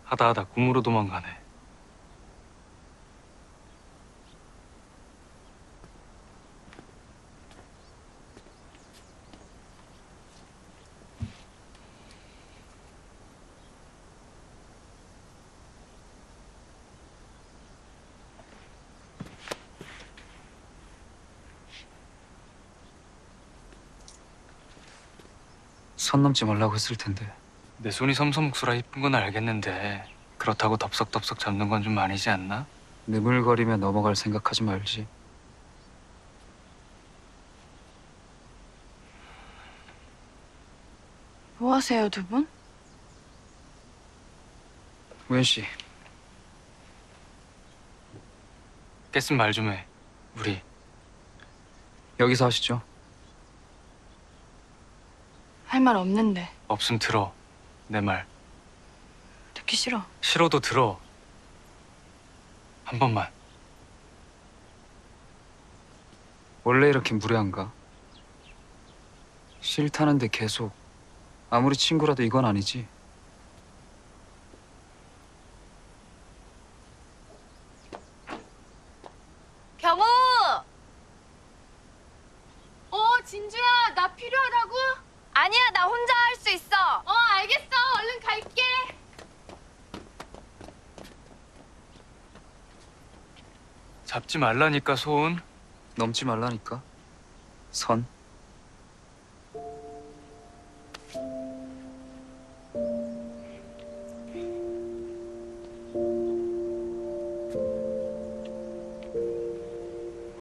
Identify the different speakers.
Speaker 1: 하다 꿈으로 도망가네.
Speaker 2: 선 넘지 말라고 했을 텐데.
Speaker 1: 내 손이 섬섬국수라 이쁜 건 알겠는데 그렇다고 덥석덥석 잡는 건 좀 아니지 않나?
Speaker 2: 느물거리며 넘어갈 생각하지 말지.
Speaker 3: 뭐 하세요, 두 분?
Speaker 2: 우현 씨,
Speaker 1: 깼으면 말 좀 해. 우리
Speaker 2: 여기서 하시죠.
Speaker 3: 할 말 없는데.
Speaker 1: 없음 들어. 내 말.
Speaker 3: 듣기 싫어.
Speaker 1: 싫어도 들어. 한 번만.
Speaker 2: 원래 이렇게 무례한가? 싫다는데 계속. 아무리 친구라도 이건 아니지.
Speaker 3: 경호! 진주야, 나 필요하다고? 아니야, 나 혼자 할 수 있어. 알겠어. 얼른 갈게.
Speaker 1: 잡지 말라니까 손.
Speaker 2: 넘지 말라니까. 선.